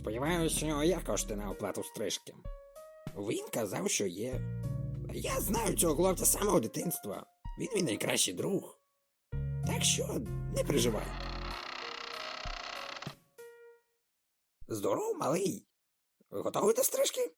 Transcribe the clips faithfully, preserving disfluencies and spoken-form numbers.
Сподіваюся, у нього є кошти на оплату стрижки. Він казав, що є. Я знаю цього хлопця з самого дитинства. Він мій найкращий друг. Так що не переживай. Здоров, малий. Готовий до стрижки?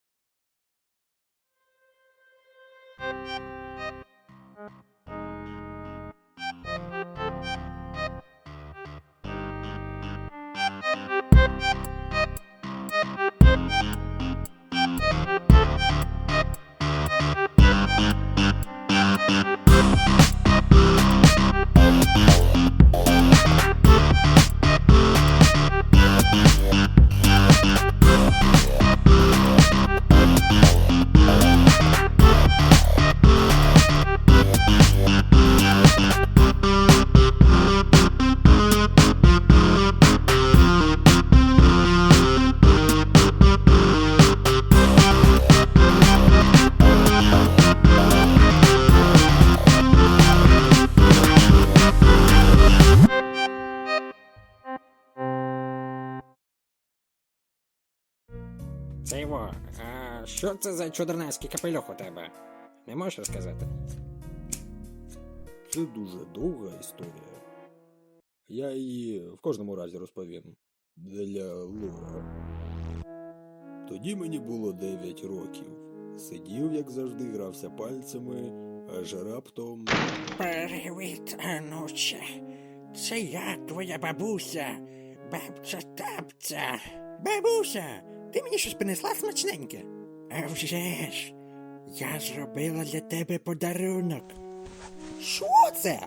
Це його. А що це за чудернацький капелюх у тебе? Не можеш розказати? Це дуже довга історія. Я її в кожному разі розповім. Для лора. Тоді мені було дев'ять років. Сидів, як завжди, грався пальцями, аж раптом... Привіт, онуче. Це я, твоя бабуся. Бабця-тапця. Бабуся, ти мені щось принесла смачненьке? А вже ж, я зробила для тебе подарунок. Що це?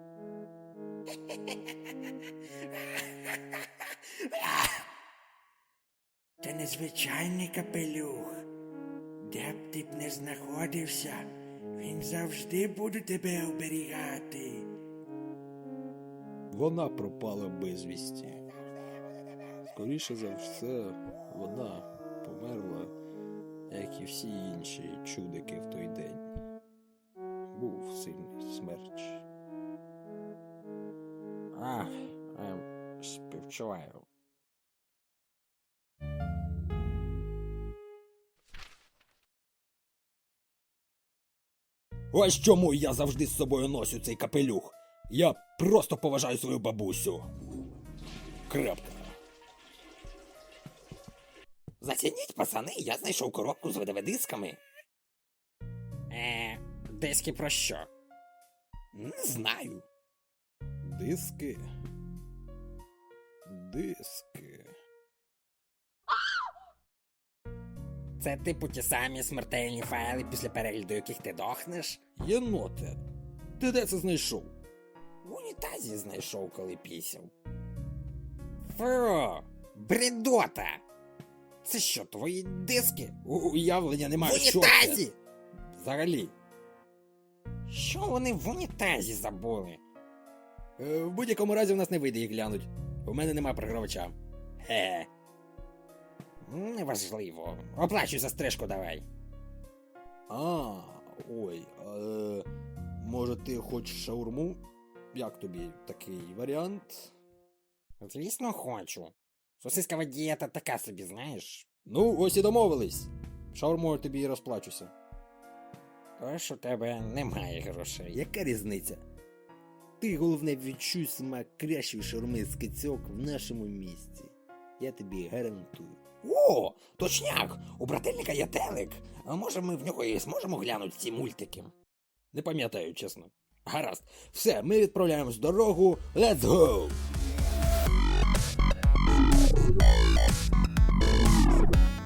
Це незвичайний капелюх. Де б ти б не знаходився, він завжди буде тебе оберігати. Вона пропала безвісті. Скоріше за все, вона померла, як і всі інші чудики в той день. Був сильний смерч. А, ем, співчуваю. Ось чому я завжди з собою носю цей капелюх. Я просто поважаю свою бабусю. Крапка. Зацініть, пацани, я знайшов коробку з видовидисками. Е, диски про що? Не знаю. Диски. Диски. Це типу ті самі смертельні файли, після перегляду яких ти дохнеш? Єноте, ти де це знайшов? В унітазі знайшов, коли пісяв. Фу, бредота! Це що, твої диски? Уявлення В немає, що це? унітазі! Взагалі. Що вони в унітазі забули? Е, в будь-якому разі в нас не вийде їх глянуть. У мене нема програвача. Хе. Неважливо. Оплачуй за стрижку давай. А, ой, е, може ти хочеш шаурму? Як тобі такий варіант? Звісно, хочу. Сосискова дієта така собі, знаєш. Ну, ось і домовились. Шаурмою тобі і розплачуся. Тож у тебе немає грошей. Яка різниця? Ти, головне, відчуй смак кращої шаурми з кицьок в нашому місті. Я тобі гарантую. О, точняк! У брательника є телек. А може ми в нього і зможемо глянути ці мультики? Не пам'ятаю, чесно. Гаразд. Все, ми відправляємось в дорогу. Let's go!